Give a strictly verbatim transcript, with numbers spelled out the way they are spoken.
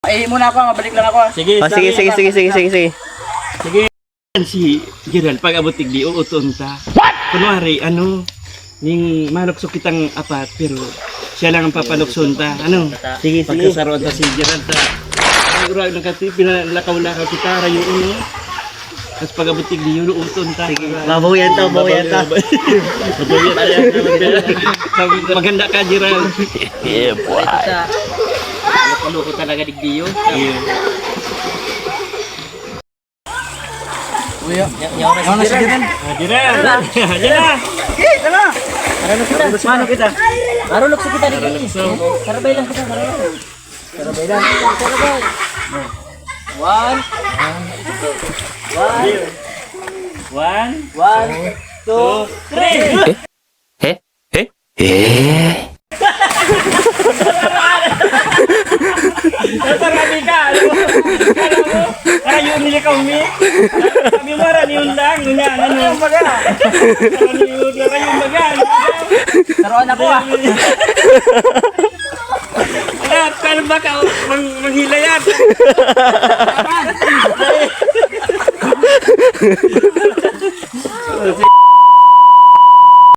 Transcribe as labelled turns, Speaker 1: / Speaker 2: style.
Speaker 1: Ay, muna ako, mabalik lang ako.
Speaker 2: Sige,
Speaker 3: Oh, sige, sige, sige, sige, sige, sige.
Speaker 2: Sige. Si Gerald, pag abot tigli, uuton ta. What? Kunwari, ano, ning malukso kitang apat, pero siya lang ang papalukson ta. Ano?
Speaker 3: Sige, sige.
Speaker 2: Pagkasaroan ta si Gerald ta. Ay, urag na kasi, pinalakaw-lakaw kita, rayo uno. Tapos pag abot tigli, yun, uuton ta.
Speaker 3: Mabawian to, mabawian to.
Speaker 2: Maganda ka, Gerald.
Speaker 3: Yeah, boy.
Speaker 1: Loko talaga digdiyo. Uy, yaw na si Gerald.
Speaker 2: Ah, Gerald! Yan na!
Speaker 1: Okay, tala. Marunok kita.
Speaker 2: Mano kita?
Speaker 1: Marunok sa kita digdiyo.
Speaker 2: Marunokso.
Speaker 1: Sarabay lang kita, marunok. Sarabay lang. Sarabay. One. One.
Speaker 2: One,
Speaker 1: One. Two.
Speaker 2: three!
Speaker 3: Eh? Eh? Eh?
Speaker 2: Marami ka, alam mo? Alam mo? Ayaw nila ka umi. Sabi mo, raniyon lang. Ngunyan, ano? Raniyon baga. Raniyon lang, raniyon baga.
Speaker 1: Taruan ako ah.
Speaker 2: Alam, kano ba ka? Mang, manghila yan.